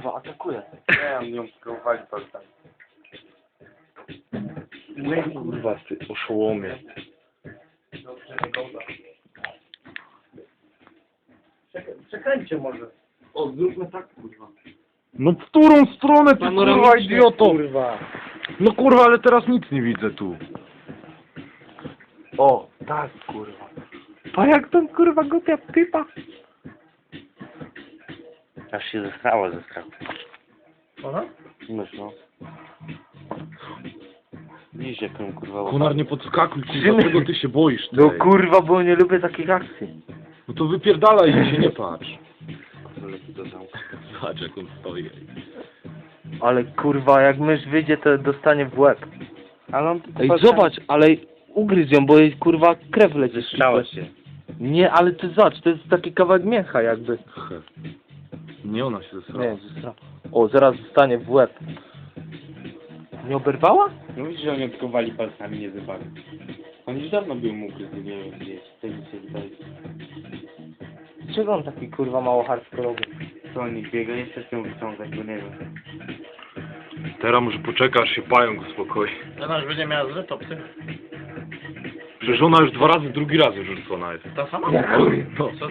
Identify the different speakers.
Speaker 1: kurwa, atakuje.
Speaker 2: Nie, on ją próbowali palcami.
Speaker 1: Nie, kurwa, ty oszołomie.
Speaker 3: Przekręćcie może.
Speaker 2: O, zróbmy tak, kurwa.
Speaker 1: No w którą stronę ty, kurwa,
Speaker 2: Panoramicznie,
Speaker 1: idioto?
Speaker 3: Kurwa.
Speaker 1: No kurwa, ale teraz nic nie widzę tu. O, tak, kurwa. A jak tam, kurwa, głupia typa?
Speaker 4: Aż się zesrało ze strachu.
Speaker 3: Aha.
Speaker 4: Mysz, no. Widzisz jaką kurwa
Speaker 1: Konar, nie podskakuj, kurwa, czego ty się boisz?
Speaker 4: No
Speaker 1: tej?
Speaker 4: kurwa, bo nie lubię takich akcji.
Speaker 1: No to wypierdalaj i się nie patrz.
Speaker 4: Lepiej do zamku.
Speaker 1: Zobacz, jak on stoi.
Speaker 4: Ale kurwa, jak mysz wyjdzie, to dostanie w łeb. Ale on
Speaker 5: Ej, zobacz, ale ugryź ją, bo jej kurwa krew leci.
Speaker 4: Zesrało się.
Speaker 5: Nie, ale ty zobacz, to jest taki kawałek mięcha jakby.
Speaker 1: He. Nie, ona się zesrała.
Speaker 5: Nie, zesra. O, zaraz dostanie w łeb. Nie oberwała?
Speaker 2: No widzisz, że oni próbowali palcami, nie zybali. On już dawno był mógł gdzieś, to nic się wydaje.
Speaker 4: Czego on taki kurwa mało hardkorowy?
Speaker 2: Co oni biega, jeszcze się wyciągać, bo nie wiem.
Speaker 1: Teraz może poczekasz, się pająk uspokoi.
Speaker 3: Ona już będzie miała zły topsy.
Speaker 1: Przecież ona już 2 razy, drugi raz już rzucona jest.
Speaker 3: Ta sama?
Speaker 1: No.